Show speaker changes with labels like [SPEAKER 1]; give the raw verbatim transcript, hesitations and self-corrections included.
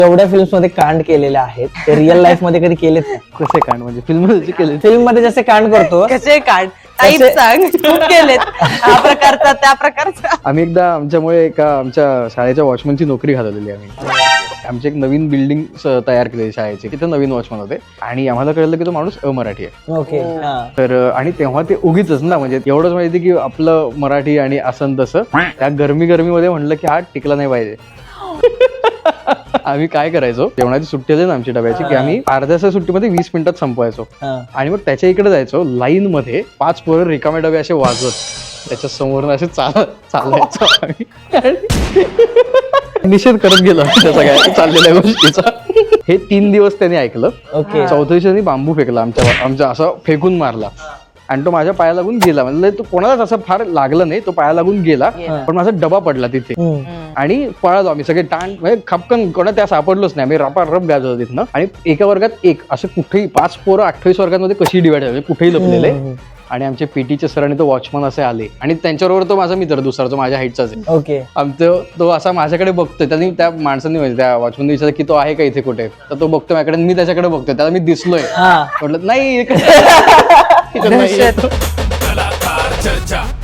[SPEAKER 1] एवढ्या फिल्म्स मध्ये कांड केलेले आहेत ते रिअल लाईफ मध्ये कधी केलेत नाही.
[SPEAKER 2] कसे कांड म्हणजे फिल्म मध्ये केले?
[SPEAKER 1] फिल्म मध्ये जसे कांड करतो
[SPEAKER 3] कसे काढ टाईप
[SPEAKER 1] कसे-
[SPEAKER 3] सांग. खूप केलेत हा प्रकारचा त्या प्रकारचा.
[SPEAKER 2] आम्ही एकदा आमच्यामुळे एका आमच्या शाळेच्या वॉचमनची नोकरी घालवलेली आम्ही. आमची एक नवीन बिल्डिंग तयार केली शाळेची, तिथे नवीन वॉचमन होते आणि आम्हाला कळलं की तो माणूस अमराठी आहे.
[SPEAKER 1] ओके हा
[SPEAKER 2] तर आणि तेव्हा ते उगीच ना, म्हणजे एवढंच माहिती की आपलं मराठी आणि असं तसं त्या गरमी गरमीमध्ये म्हणलं की हा टिकला नाही पाहिजे. आम्ही काय करायचो, जेवणाची सुट्टी असेल ना आमची डब्याची, की आम्ही अर्ध्याच्या सुट्टीमध्ये वीस मिनिटात संपवायचो
[SPEAKER 1] हा
[SPEAKER 2] आणि मग त्याच्या इकडे जायचो लाईन मध्ये, पाच पोरं रिकामे डबे असे वाजवत त्याच्या समोर असे चाल चालायचो आम्ही आणि निषेध करत गेलो त्या सगळ्या चाललेल्या गोष्टीचा. हे तीन दिवस त्याने ऐकलं.
[SPEAKER 1] ओके
[SPEAKER 2] चौथ्या दिवशी त्यांनी बांबू फेकला आमच्या आमच्या असं फेकून मारला आणि तो माझ्या पाया लागून गेला. म्हणजे तो कोणालाच असं फार लागलं नाही, तो पाया लागून गेला, पण माझा डबा पडला तिथे आणि पळालो आम्ही सगळे टाण, म्हणजे खपकन कोणा त्या सापडलोच नाही. आम्ही रपा रप गाजवतो तिथनं. आणि एका वर्गात एक असं कुठेही पाच पोरं अठ्ठावीस वर्गांमध्ये कशी डिवाइड झाली, कुठेही लपलेले. आणि आमचे पीटीचे सर आणि तो वॉचमन असे आले आणि त्यांच्याबरोबर तो माझा मित्र दुसरा, तो माझ्या हाईटचाच आहे.
[SPEAKER 1] ओके
[SPEAKER 2] आमचं तो असा माझ्याकडे बघतोय, त्यांनी त्या माणसांनी म्हणजे त्या वॉचमनने विचारलं की तो आहे का इथे कुठे, तर तो बघतोय माझ्याकडे, मी त्याच्याकडे बघतोय, त्याला मी दिसलोय.
[SPEAKER 1] हा
[SPEAKER 2] म्हटलं नाही इकडे- इकडे नाही.
[SPEAKER 3] दहशत.
[SPEAKER 4] कलाकार चर्चा